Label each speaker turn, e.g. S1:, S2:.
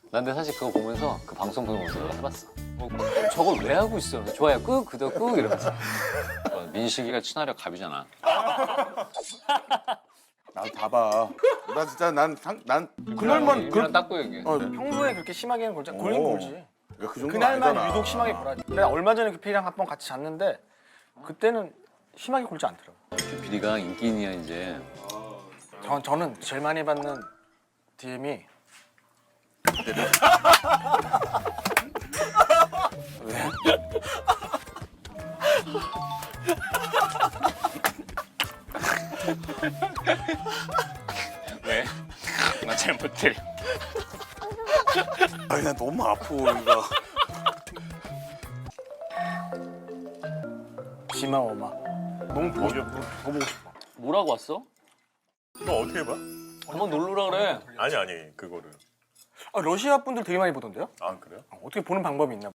S1: 난 근데 사실 그거 보면서 그 방송 보면서 해봤어. 저걸 왜 하고 있어? 좋아요 끄 구독 끄 이러면서. 민식이가 친화력 갑이잖아.
S2: 나도 봐봐. 나 진짜 난 그날만
S1: 그냥 닦고 얘기해.
S3: 평소에 그렇게 심하게는 골긴
S2: 오.
S3: 골지.
S2: 그 정도는
S3: 그날만
S2: 아니잖아.
S3: 유독 심하게 골아지. 내가 얼마 전에 그 피랑 한 번 같이 잤는데 그때는 심하게 골지 않더라고.
S1: 비리가 인기인이야 이제.
S3: 저는 제일 많이 받는 DM이 왜?
S1: 왜? 나 잘 못 때려.
S2: 아니 나 너무 아파 이거.
S3: 지마 어마. 너무 보고 싶어. 더 보고 싶어.
S1: 뭐라고 왔어?
S4: 너 어떻게 봐?
S1: 한번 놀러라 그래.
S4: 아니 그거를.
S3: 아, 러시아 분들 되게 많이 보던데요?
S4: 아 그래요?
S3: 어떻게 보는 방법이 있나?